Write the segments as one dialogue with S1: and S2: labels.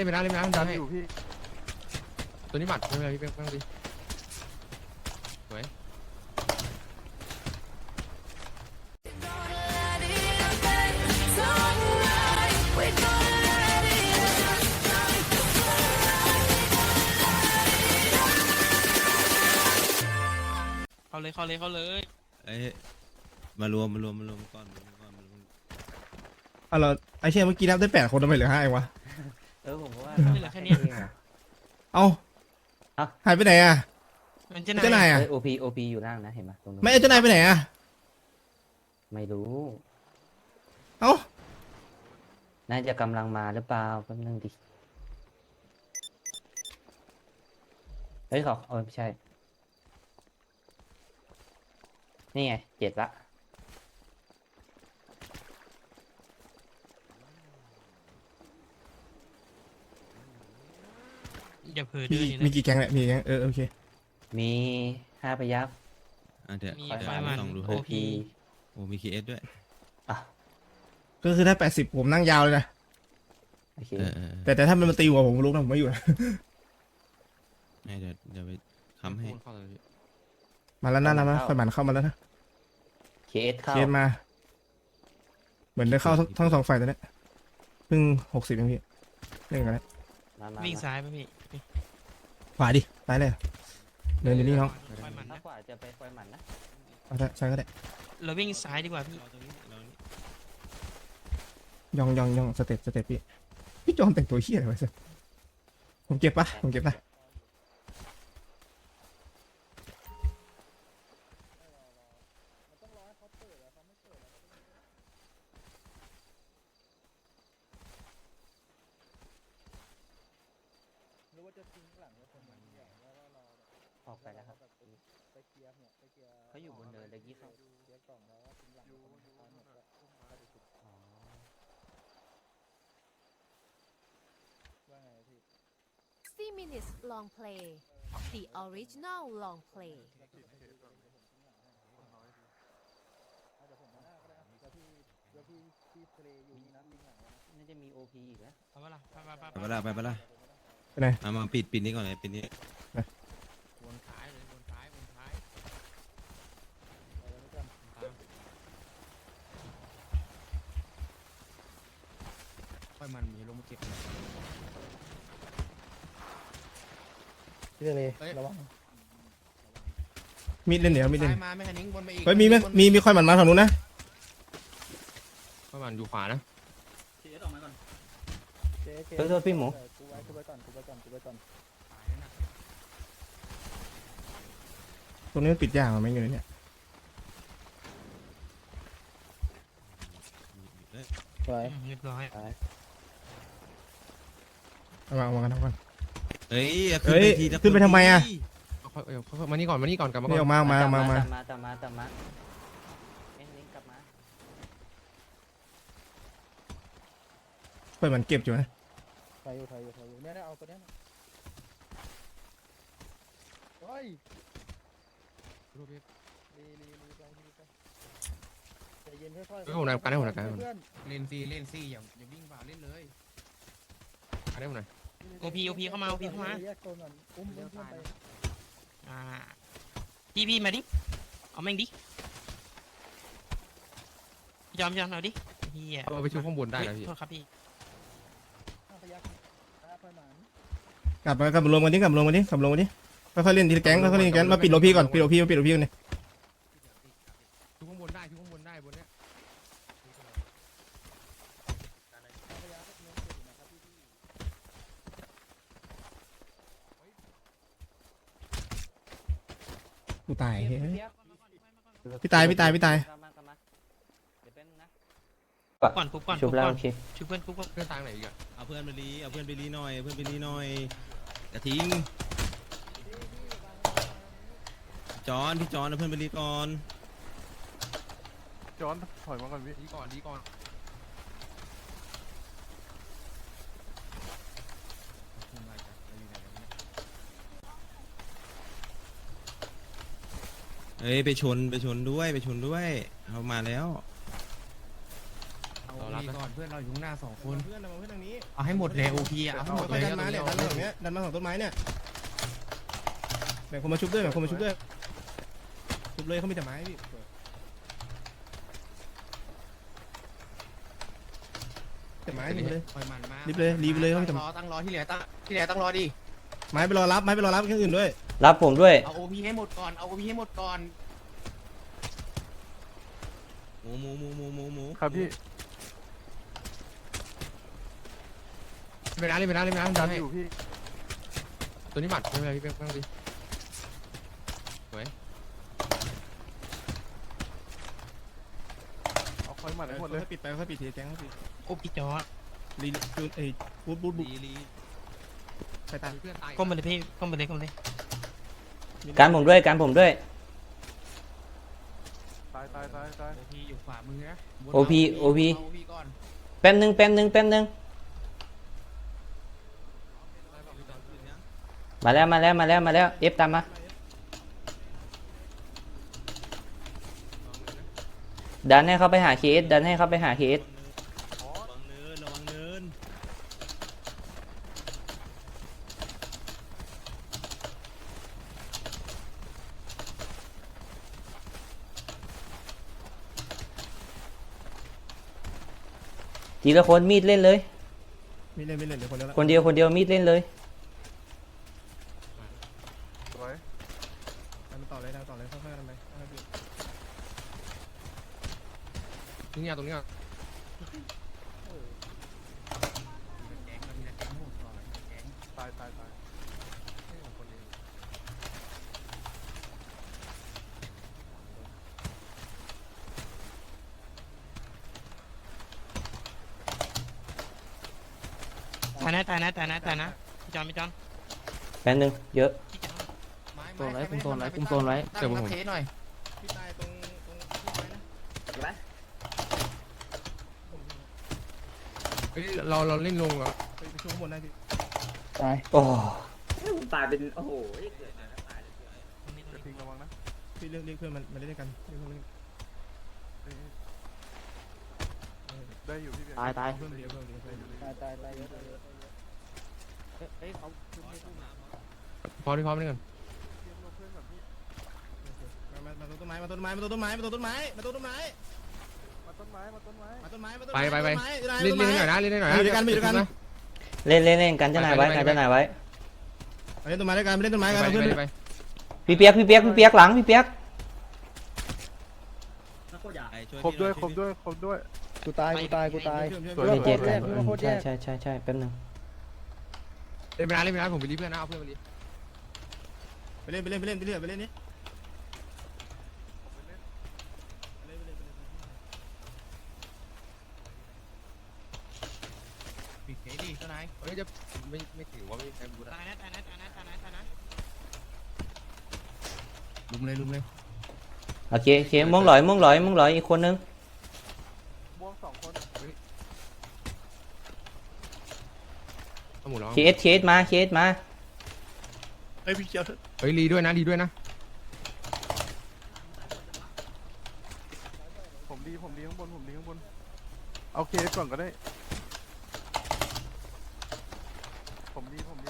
S1: นไปนะเล่นไปนะมันดันให้
S2: อยู่พี่
S1: ตัวนี้บัตรไม่เป็นไรพี่เป้งดิสวย
S3: เข้าเลย
S4: เอ้ยมารวมก่อน
S5: เราไอเชี่ยเมื่อกี้นับได้8 คนทำไมเหลือ5เองวะ
S6: ผมว่า
S3: ไม่เหลือแค่นี้
S5: เอ้าหายไปไหนอ่ะ
S3: มันจะ
S5: เจ้านายอ่ะ
S6: โอพีอยู่ล่างนะเห็นไหมตรงนู้น
S5: ไม่เจ้านายไปไหนอ่ะ
S6: ไม่รู้
S5: เอ้า
S6: น่าจะกำลังมาหรือเปล่าแป๊บนึงดิเฮ้ยเขาไม่ใช่นี่ไง7ละ
S3: อย่าเผลอ
S5: มี
S3: ดื้อ
S5: มี
S3: นะ
S5: กี่แก๊งเนี่ยมีกี่แก๊งโอเค
S6: มี5 พยัคฆ์
S4: เดี๋ยว
S3: มี
S4: เดี๋ยว
S3: ไฟมัน
S4: ต้องดู
S6: โอ
S4: ให้
S6: พี
S4: โอ้มีคีเอสด้วย
S6: อ่ะ
S5: ก็คือถ้า80ผมนั่งยาวเลยนะ
S6: โอเค
S5: แต่ถ้ามันมาตีหัวผมรู้นะผมไม่อยู่นะ
S4: เดี๋ยวไปค้ำให้
S1: เข้าเลยพี่
S5: มาแล้วนะไฟหมันเข้ามาแล้วนะ
S6: เคสเข้า
S5: เคสมา เหมือนได้เข้าทั้ง2 ฝ่ายตอนนี้เพิ่ง60เองพี่เล่นกันแล้ว
S6: มา
S3: วิ่งซ้ายไปพี่
S5: ขวาดิไปเลยเดินอยู่นี่น้อง
S3: ปล่อยมัน
S6: ถ้า
S3: นะ
S6: กว่าจะไปปล่อยหมันนะ
S5: เอาใช่ก็ได้
S3: เราวิ่งซ้ายดีกว่าพี่
S4: รอตรงนี้รอนี่
S5: ย่องสเต็ปพี่จอมแต่งตัวเฮี้ยอะไรวะสิผมเก็บนะ
S6: ออกไปแล้วครับเขาอยู่บนเนินตะกี้เขาอ๋อ
S7: 60 minutes long play the original long play
S6: น่าจะมีโอพีอีกนะ
S3: เอาปะล่ะไป
S4: ไปละ
S5: ไปไหน
S4: มาปิดนี้ก่อนเลยปิดนี้
S1: วนซ้ายเลยวนซ้ายค่อยมันมีลงมาเก็บ
S2: พี่เลยระวัง
S5: มีดเล่นเดี๋ยวมีดเล่น
S1: ซ้ายมาไม่คันนิ้งบนไปอีก
S5: เฮ้ยมีค่อยหมันมาทางนู้นนะ
S1: ค่อยมันอยู่ขวานะ
S6: โทษพี่หมู
S2: กูไว้ก่อน
S5: ตรงนี้มันปิดยากมั้ยเงินเนี่ย
S2: ไว้
S3: เรียบร้อย
S5: เอามากัน
S4: เฮ้ย
S5: เฮ้ยขึ้นไปทำไมอะ
S1: ค่อยมานี่ก่อนกลับมาก่
S5: นี่
S1: อน
S5: ออกมา
S6: ตามมาเอ็นลิงกลับมา
S5: ค่อยหมันเก็บอยู่นะ
S2: ไฟอยู่เนี่ยเอาตัวเนี้ยเฮ้ยรีไปใจเย็นค่อยๆ
S1: เฮ้ยผมหนักการให้ผมหนักการ
S2: เพื่อน
S1: เล่นซีอย่าวิ่งฝ่าเล่นเลยการให้ผมหน่อย
S3: โอพีเข้ามา
S2: แยกโซนก่อนอุ้มเพื่อนไป
S3: พี่มาดิเอาแม่งดิยอมเอาดิเฮีย
S1: เอาไปชูข้างบนได้นะพี่
S3: โทษครับพี่
S2: 5 พยัคฆ์5 พยัคฆ์หมัน
S5: กลับมารวมกันดิค่อยๆเล่นทีละแก๊งมาปิดโลพี่ก่อนปิดโลพี่ก่อนเนี่ย
S1: ชูข้างบนได้บนเนี้ย
S5: กูตาย
S6: เดี๋ยว
S5: พี่ตาย
S6: กลับมาเดี๋ยวแป๊บนึงนะ
S3: ปุ๊บก่อน
S6: ชุบแล้วโอเค
S3: ชุบเพื่อนปุ๊บก่อน
S1: เพื่อนทางไหนอีกอะ
S4: เอาเพื่อนไปรีหน่อยกระทิ้งพี่จอนเอาเพื่อนไปรีก่อน
S2: จอนถอยมาก่อนพี่
S1: ดีก่อน
S4: เฮ้ยไปชนด้วยเอามาแล้ว
S1: เรารับก่อนเพื่อนเราอยู่ข้างหน้า2 คน
S4: เพื่อนเรามาเพื่อนทางนี้
S1: เอาให้หมดเลยโอพีเอาให้หมดเลย
S5: ดันมาเนี่ยดันมาตรงเนี้ยดันมาของต้นไม้เนี่ยแบ่งคนมาชุบด้วยแบ่งคนมาชุบด้วยชุบเลยเขามีแต่ไม้พี่แต่ไม้รีบเลย
S1: ปล่อยมันมา
S5: รีบเลยรีบเลยเขามีแต่
S1: ตั้งรอที่เหลือตั้งรอดิ
S5: ไม้ไปรอรับไม้ไปรอรับเครื่องอื่นด้วย
S6: รับผมด้วย
S1: เอาโอพีให้หมดก่อนเอาโอพีให้หมดก่อน
S4: หมู
S8: ครับพี่
S1: ไปนะดันให้
S8: อยู่พี่
S1: ตัวนี้หมัดไม่เป็นไรพี่เป๊กตั้งดิสวย
S8: เอาคอยหมัดให้หมดเลย
S5: ค่อยปิดไปค่อยปิดทีแก๊งค่อยปิด
S3: โอ้พี่จอร์ด
S5: รีจูนบูท
S4: ลี
S5: ใครตาย
S1: เพื่อนตาย
S3: ก้มไปเลยพี่ก้มไปเลยก้มไปเลย
S6: การผมด้วยการผมด้วย
S8: ตาย
S1: โอพีอยู่ขวามือนะ
S6: OP
S1: เอาโอพีก่อน
S6: แป๊บนึงมาแล้วเอฟตามมาดันให้เขาไปหาเคส
S4: ระวังเนิน
S6: ทีละคนมีดเล่นเลย
S5: ไม่เล่นเดี๋ยวคนเดียวละ
S6: คนเดียวมีดเล่นเลย
S8: สวย
S5: ทำต่อเลยค่อยๆทำไปค่อยๆปิด
S1: ตรงนี้ตรงนี้
S8: ตาย
S3: ตายนะพี่จอร์ดพี่จอร์ด
S6: แป๊บนึงเยอะ
S3: พี่จอร์ด
S1: โซนไว้คุมโซนไว้เดี๋ยวผม
S5: หน่อยพี่ตายตรงที่ไม้นะ
S1: เฮ้ยเราเล่นลงเหรอ
S5: ไปช่วยข้างบนได้พี่
S2: ตาย
S6: โอ้
S9: ตายเป็นโอ้โห
S8: จะทิ้งระวังนะ
S5: พี่เรียกเพื่อนมาเล่นด้วยกันเรียกเพื่อนมาเล่น
S8: ได้อยู่พี่เบียร์
S1: ตาย
S5: เพื่อนเดียวเยอะ
S2: ตายเยอะ
S1: พร้อมนี่กัน
S5: มาต้นไม้
S1: เล่นหน่อยนะ
S6: เล่นกันจะไหนไว้กันจะไหนไว้
S5: เล่นต้นไม้ด้วยกันเล่นต้นไม้กันเพื่อน
S1: ไป
S6: พี่เปียกหลังพี่เปียก
S8: ครบด้วย
S2: กูตาย
S6: เจ็ดใช่แป๊บนึง
S1: เล่นไปนะผมไปรีบเพื่อนนะเอาเพื่อนไปรี
S5: ไปเล่นนี่
S1: ปิดเกดีเจ้านายเฮ้ยจะไม่ถือว่าไม่ใครบูนะ
S3: ตายนะ
S1: ลุมเลย
S6: โอเคม่วงหลอยอีกคนนึง
S8: ม่วง2 คน
S1: เอาหมูร้อง
S6: เคสมา
S5: เฮ้ยพี่เจียว
S1: เฮ้ยรีด้วยนะ
S8: ผมดีข้างบนเอาเคสก่อนก็ได้ผมดีข้างบน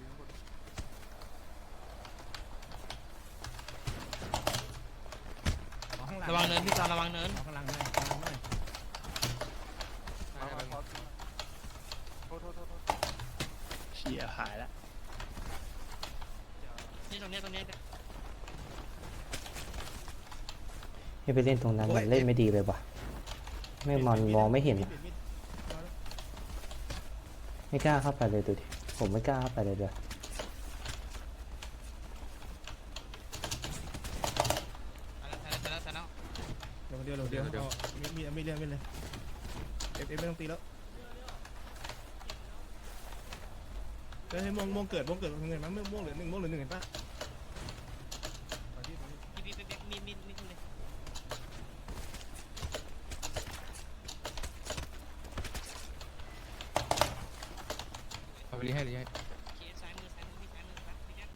S3: ระวังเนินพี่จอร์ดระวังเนิน
S1: ข้างล่าง
S8: มาโทษ
S2: เชี่ยหายละ
S3: นี่ตรงนี้
S6: ให้ไปเล่นตรงนั้นมันเล่นไม่ดีเลยว่ะไม่มันมองไม่เห็นอะไม่กล้าเข้าไปเลยดูดิผมไม่กล้าเข้าไปเลยเดี๋ยว
S5: เดี๋ยวมีเรื่องเลยเอฟไม่ต้องตีแล้วให้ม่วงเกิดเงินมั้ยม่วงเหลือ1เห็นปะ
S3: พี่มีเลย
S1: เอาไปรีให้
S3: เคสซ้ายมือพี่ครับพี่แจ๊ค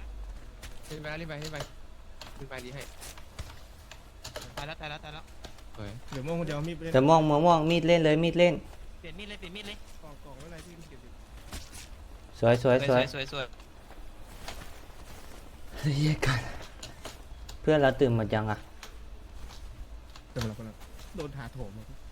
S1: เล่นไปรีให้
S3: ตายแล้ว
S1: สวย
S5: เดี๋ยวม่วงคนเดียวมีดไปเล่น
S6: แต่ม่วงมีดเล่นเลยมีดเล่น
S3: เปลี่ยนมีดเลยเปลี่ยนมีดเลย
S5: กล่องอะไรพี่เก็บดิ
S6: สวย
S3: สวย
S6: เฮ้ยกันเพื่อนเราตื่นหมดยังอ่ะ
S5: เดี๋ยวมาคนละโดนถาโถม